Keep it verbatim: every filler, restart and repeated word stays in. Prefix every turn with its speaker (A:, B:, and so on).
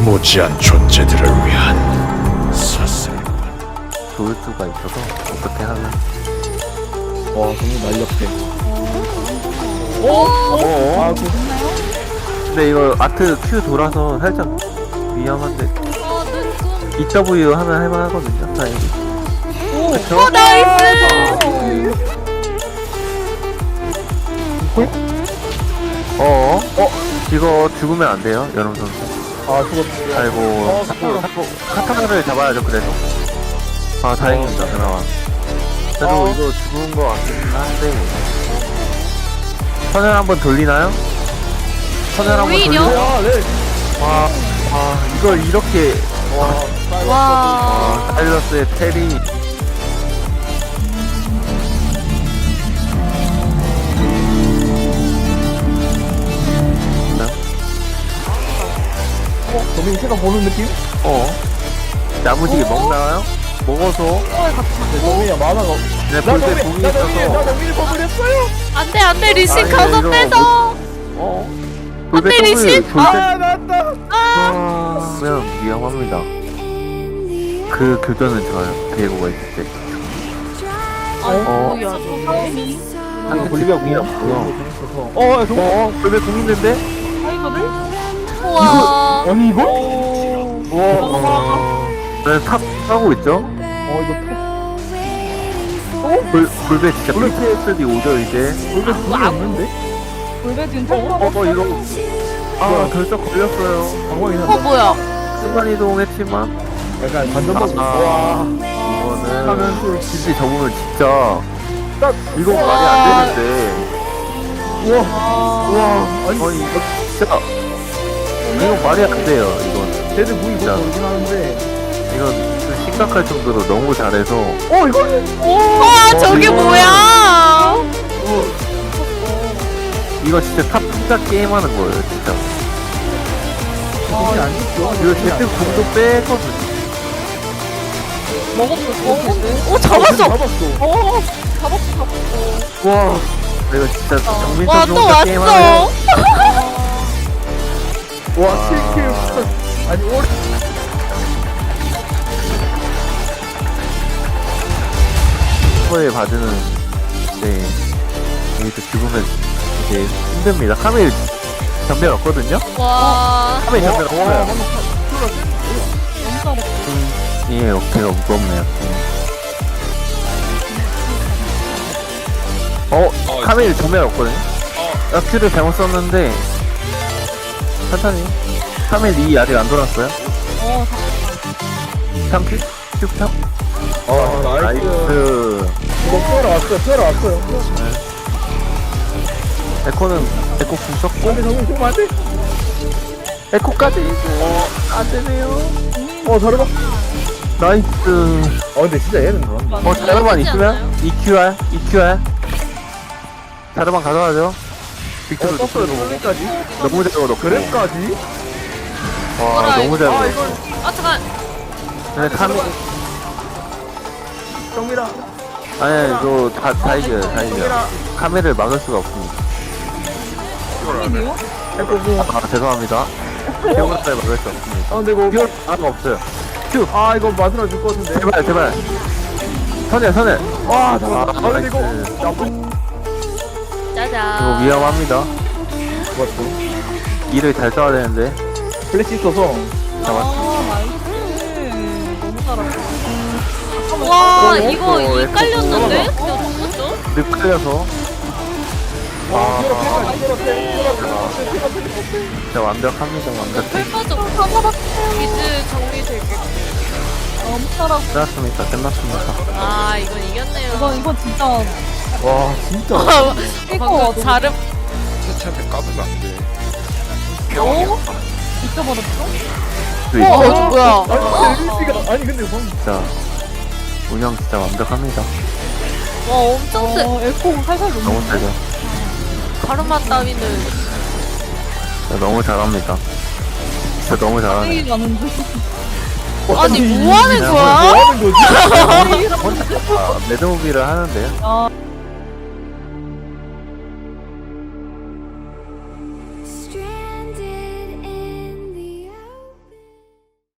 A: 무지한 존재들을 위한 사슬.
B: 좋을 수가 있어서 어떻게 하면
C: 와 정말 날렵해.
B: 어?
C: 아 그,
B: 근데 이거 아트 Q 돌아서 살짝 위험한데
D: 어, 눈금.
B: 이더블유 하면 할만하거든요 다행히. 그쵸?
D: 어, 나이스!
B: 어어? 어? 이거 죽으면 안 돼요 여름 선수.
C: 아 죽었어.
B: 아이고
C: 어,
B: 자꾸 자꾸 카타나를 잡아야죠 그래서. 아 다행입니다 그나마. 그래도
C: 어.
B: 이거 죽은 거 같긴 한데 선열 한번 돌리나요? 선열 한번
D: 오히려?
B: 돌리나요?
C: 야 네.
B: 와, 와 이걸 이렇게
C: 와.
D: 와.
B: 아, 사일러스의 테리.
C: 어 도민 새가 보는 느낌?
B: 어 야무지게 먹나요? 먹어서
C: 네, 도민이야 만화가.
B: 네
C: 나
B: 볼때
C: 도민
B: 공이
C: 나 도민이 나
B: 있어서
C: 도민이 버블했어요.
D: 안 돼, 안 돼, 리신
B: 아니,
D: 가서
B: 이거
D: 뺏어!
B: 어?
D: 안
B: 볼때
D: 돼,
B: 더블
D: 리신!
B: 볼때
C: 아 나왔다.
B: 그러면 위험합니다. 그 교전은 좋아요. 디에고가 있을 때.
D: 어, 야,
B: 상대
C: 볼리비아
B: 공이
C: 공이야.
B: 없고요.
C: 어 정.
B: 어? 볼때 공 있는데?
D: 우와.
C: 아니 이거? 와.
B: 어... 네, 탑 하고 있죠?
C: 어 이거
B: 볼, 볼배 진짜 피티에스디 오죠 이제.
C: 볼배 돈이 없는데?
B: 어, 어 이거 아 결석 걸렸어요.
C: 방광이
D: 어,
C: 산다.
D: 뭐야?
B: 순간이동했지만
C: 약간 반전 먹고.
B: 아.
C: 와.
B: 이거는
C: 하면 또
B: 진짜 접으면 진짜
C: 딱
B: 이거 말이 안 되는데.
C: 우와. 우와. 아니
B: 아니 이거 진짜 이거 말이 안 돼요 이건.
C: 쟤들 무기
B: 진짜.
C: 못 모르긴 하는데.
B: 이건 좀 심각할 정도로 너무 잘해서.
C: 어 이거.
D: 와, 저게
B: 이거-
D: 뭐야?
B: 이거 진짜 탑 투자 게임하는 거예요 진짜.
C: 돈이 안 죽죠.
B: 이거 제트 공도 빼거든.
D: 오, 잡았어!
C: 잡았어.
B: 와 이거 진짜 정민
D: 와,
B: 선수
D: 또
B: 혼자 게임하네.
D: 왔어!
C: 와 칠 킬. 아니 오래.
B: 거에 받으는 네 여기서 죽으면 이제 힘듭니다. 카메일 전멸 없거든요?
D: 와.
B: 카메일 전멸
C: 와, 와,
B: 없어요. 음, 예 어깨가 무겁네요. 음. 어? 카메일 전멸 없거든요? 어. 큐를 잘못 썼는데 천천히. 카메일 이 아직 안 돌았어요?
D: 어,
B: 삼 큐? 큐 탑?
C: 어 나이스.
B: 나이스.
C: 이거 피어라 왔어요. 피어라 왔어요.
B: 에코는 에코 궁 썼고
C: 근데 정민 죽으면 안 돼.
B: 에코까지 이거 안 되네요.
C: 어 자르바.
B: 나이스.
C: 어 근데 진짜 얘는 그런다.
B: 어 자르반 있으면 이큐알 이큐알 자르반 가져가죠.
C: 어
B: 빅토르
C: 떴어요.
B: 높고
C: 똘리까지.
B: 너무 잘 넣고
C: 그랩까지.
B: 와 너무 잘
C: 아
B: 넣고
C: 이걸
D: 아, 잠깐.
B: 근데 카메
C: 정민아.
B: 아니 이거 다, 다 이겨요 다 이겨요. 카메를 막을 수가 없습니다.
C: 해보고.
B: 아 죄송합니다. 기억을 막을 수 없습니다.
C: 아 근데 이거.
B: 기억 아 없어요.
C: 아 이거 마누라 줄 것 같은데.
B: 제발 제발 선해 선해.
C: 와 잠깐. 아 근데 이거.
B: 나이스.
C: 나쁜.
D: 짜잔.
B: 이거 위험합니다.
C: 맞죠.
B: 일을 잘 써야 되는데
C: 플래시 있어서.
B: 잡았어.
D: 와,
B: 어,
D: 이거
B: 어,
D: 이
B: 에코
D: 깔렸는데?
B: 어.
D: 근데 죽었죠?
B: 늪 끌려서
C: 와 피어라
B: 아,
C: 피어라 피어라 피어라 피어라.
B: 진짜 완벽합니다 완벽해.
D: 풀 빠져. 이즈 정리될게.
B: 끝났습니다 끝났습니다.
D: 아, 이건 이겼네요.
E: 이건 이건 진짜
C: 와 진짜.
D: 아, 방금 자름.
A: 세차한테 까불면 안 돼.
E: 어? 잊어버렸어?
B: 그
D: 어,
B: 있어.
D: 어, 뭐야?
C: 아니 근데 엘씨가 아니 근데 방금.
B: 진짜 운영 진짜 완벽합니다.
D: 와, 엄청 세.
E: 어, 에코 살살 녹는
B: 너무 세죠.
D: 가르마 따위는.
B: 진짜 너무 잘합니다. 진짜 너무 잘하네.
E: 이 나는데
D: 아니, 뭐 하는
B: 그냥
D: 거야?
C: 뭐 하는 거지?
B: 혼자 아, 매드무비를 하는데요.
E: 아